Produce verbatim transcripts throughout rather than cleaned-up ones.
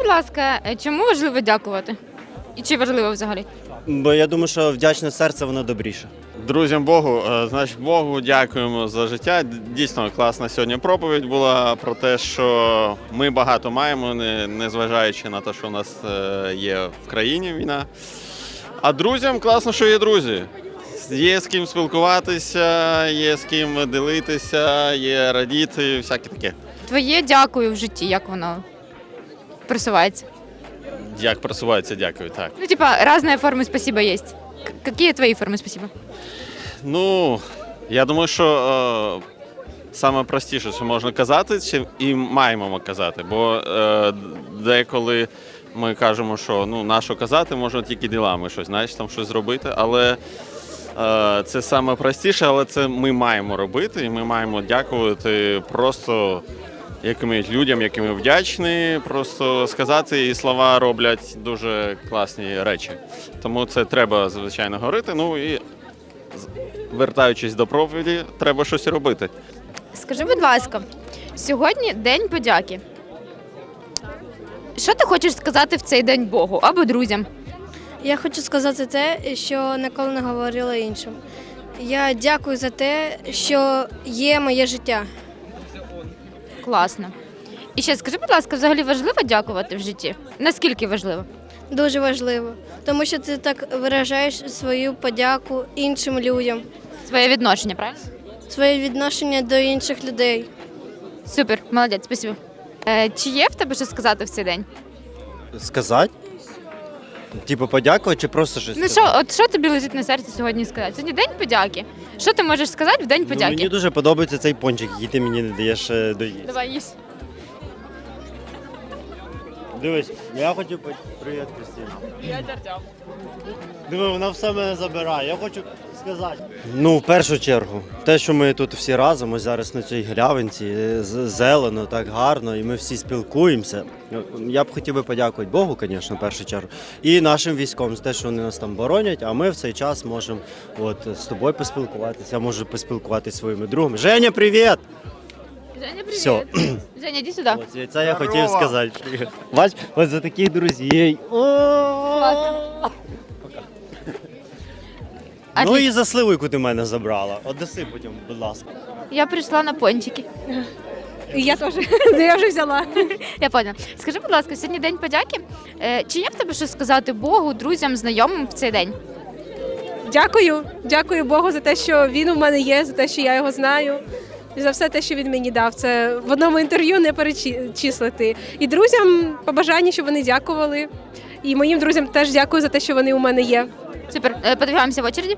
ласка, е, чому важливо дякувати? І чи важливо взагалі? Бо я думаю, що вдячне серце, воно добріше. Друзям Богу, е, значить Богу дякуємо за життя. Дійсно класна сьогодні проповідь була про те, що ми багато маємо, не, не зважаючи на те, що у нас е, є в країні війна. А друзям класно, що є друзі. Є з ким спілкуватися, є з ким ділитися, є радіти, всяке таке. Твоє дякую в житті, як воно просувається? Як просувається, дякую, так. Ну, типа, різні форми спасибо є. К- Які твої форми спасибо? Ну, я думаю, що е, саме простіше, що можна казати, чи і маємо казати. Бо е, деколи ми кажемо, що ну, на що казати, можна тільки ділами щось, знаєш, там щось зробити. Але е, це саме простіше, але це ми маємо робити, і ми маємо дякувати просто якимось людям, яким ми вдячні. Просто сказати, і слова роблять дуже класні речі. Тому це треба, звичайно, говорити. Ну і вертаючись до проповіді, треба щось робити. Скажи, будь ласка, сьогодні День подяки. Що ти хочеш сказати в цей день Богу або друзям? Я хочу сказати те, що ніколи не говорила іншим. Я дякую за те, що є моє життя. Класно. І ще скажи, будь ласка, взагалі важливо дякувати в житті? Наскільки важливо? Дуже важливо, тому що ти так виражаєш свою подяку іншим людям, Своє відношення, правильно? своє відношення до інших людей. Супер, молодець, спасибо. Е, чи є в тебе що сказати в цей день? Сказати? Типу подякувати чи просто щось Ну сказати? що, от що тобі лежить на серці сьогодні сказати? Сьогодні День подяки. Що ти можеш сказати в День Ну, подяки? мені дуже подобається цей пончик, який ти мені не даєш е, доїсти. Давай їсть. Дивись, я хотів по- привіт, Кристина. Я Артем. Диви, вона все мене забирає. Я хочу сказати. Ну, в першу чергу, те, що ми тут всі разом, ось зараз на цій галявинці, е, з- зелено, так гарно, і ми всі спілкуємося. Я б хотів би подякувати Богу, звісно, в першу чергу, і нашим військовим за те, що вони нас там боронять, а ми в цей час можемо от, з тобою поспілкуватися, я можу поспілкуватися зі своїми другами. Женя, привіт! Женя, привіт. Все. Женя, іди сюди. Ось, це я хотів сказати. Бач, ось за таких друзей. О! Ну Отлично. і за сливу, яку ти мене забрала. Одеси потім, будь ласка. Я прийшла на пончики. Я теж. Я вже взяла. Я поняла. Скажи, будь ласка, сьогодні День подяки. Е, Чи є в тебе щось сказати Богу, друзям, знайомим в цей день? Дякую. Дякую Богу за те, що він у мене є, за те, що я його знаю. І за все те, що він мені дав. Це в одному інтерв'ю не перечислити. І друзям побажання, щоб вони дякували. І моїм друзям теж дякую за те, що вони у мене є. Супер. Е, Подивимося в очереді.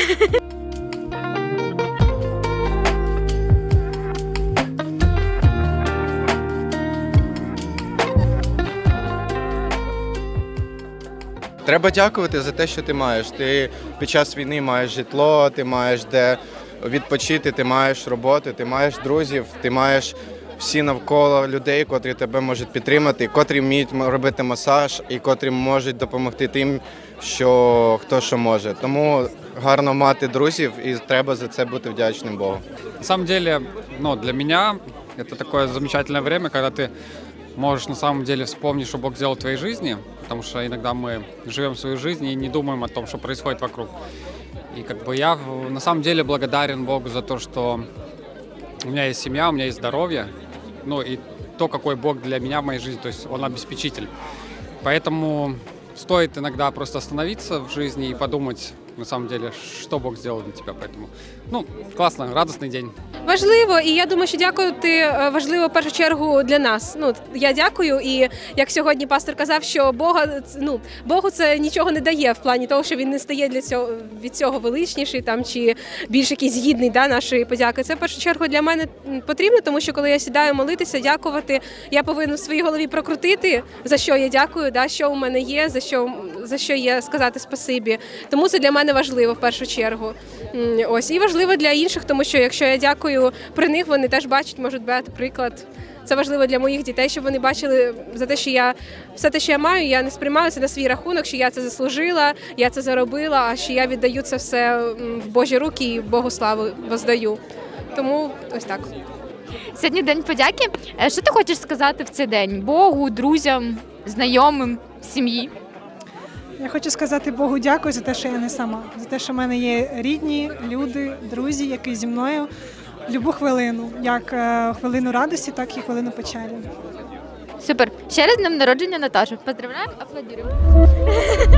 Треба дякувати за те, що ти маєш. Ти під час війни маєш житло, ти маєш де відпочити, ти маєш роботу, ти маєш друзів, ти маєш всі навколо людей, котрі тебе можуть підтримати, котрі вміють робити масаж і котрі можуть допомогти тим, що хто що може. Тому гарно мати друзів і треба за це бути вдячним Богу. На самом деле, ну, для меня это такое замечательное время, когда ты можешь на самом деле вспомнить, что Бог сделал в твоей жизни, потому что иногда мы живем свою жизнь и не думаем о том, что происходит вокруг. И как бы я на самом деле благодарен Богу за то, что у меня есть семья, у меня есть здоровье, ну и то, какой Бог для меня в моей жизни, то есть Он обеспечитель. Поэтому стоит иногда просто остановиться в жизни и подумать, на самом деле, что Бог сделал для тебя. Поэтому, ну, классно, радостный день. Важливо, і я думаю, що дякувати е, важливо в першу чергу для нас. Ну, я дякую, і як сьогодні пастор казав, що Бога, ну, Богу це нічого не дає в плані того, що він не стає для цього, від цього величніший там, чи більш якийсь гідний да, нашої подяки. Це в першу чергу для мене потрібно, тому що коли я сідаю молитися, дякувати, я повинна в своїй голові прокрутити, за що я дякую, да, що у мене є, за що, за що є сказати спасибі. Тому це для мене важливо в першу чергу. М, Ось, і важливо для інших, тому що якщо я дякую при них, вони теж бачать, можуть брати приклад. Це важливо для моїх дітей, щоб вони бачили за те, що я все те, що я маю, я не сприймаю це на свій рахунок, що я це заслужила, я це заробила, а що я віддаю це все м, в Божі руки і Богу славу воздаю. Тому ось так. Сьогодні День подяки. Е, Що ти хочеш сказати в цей день Богу, друзям? знайомим, сім'ї? Я хочу сказати Богу дякую за те, що я не сама, за те, що в мене є рідні, люди, друзі, які зі мною любу хвилину, як е, хвилину радості, так і хвилину печалі. Супер. Ще раз з днем народження, Наташа. Поздравляємо, аплодуємо.